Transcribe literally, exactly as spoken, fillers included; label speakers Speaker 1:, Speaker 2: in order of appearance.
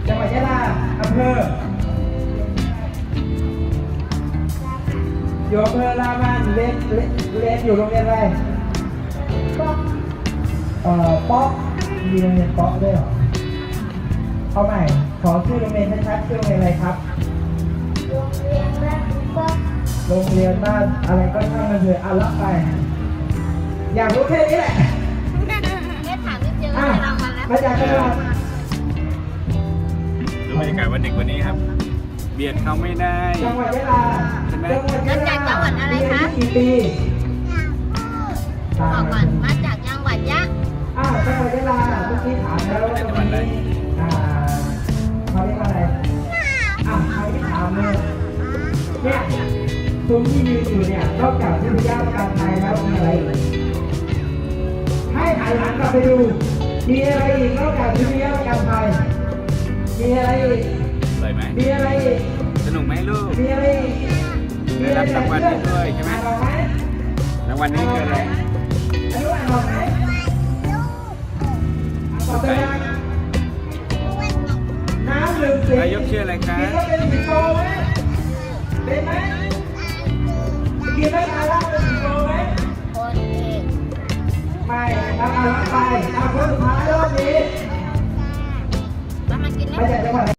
Speaker 1: จังหวัดยะลาอำเภออยู่อำเภอรามันเรียนเรียนอยู่โรงเรียนอะไรป๊อกเอ่อป๊อกมีโรงเรียนป๊อกด้วยเหรอเอาใหม่ขอชื่อโรงเรียนชัดๆชื่อโรงเรียนอะไรครับโรงเรียนบ้านป๊อกโรงเรียนบ้านอะไรก็ช่างมันเถอะอ่ะรับไปอยากรู้แค่นี้แหละ
Speaker 2: แค่ถามไม่เจอได้รางวัลแล้ว
Speaker 1: มาจากจังหวัด
Speaker 3: ดูบรรยากาศวันเด็กวันนี้ครับเบียดเขาไม่ได้
Speaker 1: จังหวัดยะลา
Speaker 3: ใช่ไหม
Speaker 2: มาจากจังหวัดอะไรคะ
Speaker 1: กี่ปี
Speaker 2: บอกก่อนมาจากจังหวัดยะ
Speaker 1: อ้าวจังหวัดยะลาเมื่อกี้ถามแล้วว่าจังหวัดอะไรอ่าเขาเรียกว่าอะไรอ่ะใครที่ถามเลยเนี่ยซุ้มที่ยืนอยู่เนี่ยนอกจากวิทยาการไทยแล้วมีอะไรให้หันหลังกลับไปดูมีอะไรอีกนอกจากวิทยาการไทยมีอะไรอีก
Speaker 3: เลยไหม
Speaker 1: มีอะไรอีก
Speaker 3: สนุกไหมลูก
Speaker 1: มีอะไรอีก
Speaker 3: ได้รับรางวัลนี้ด้วยใช่ไหมรางวัลนี้คืออะไร
Speaker 1: รู้อ่านออกไหมตอบได้น้ำหนึ่งสี
Speaker 3: นายกชื่ออะไรครับ
Speaker 1: กินแล้วเป็นสิงโตไหมเป็นไหมกินแล้วทานแล้วเป็นสิงโตไหม
Speaker 2: คนเอก
Speaker 1: ไม่ทำอะไรไปเอาคนสุดท้ายรอบนี้
Speaker 2: มากินแล้ว
Speaker 1: ไม่ใช่จังหวัด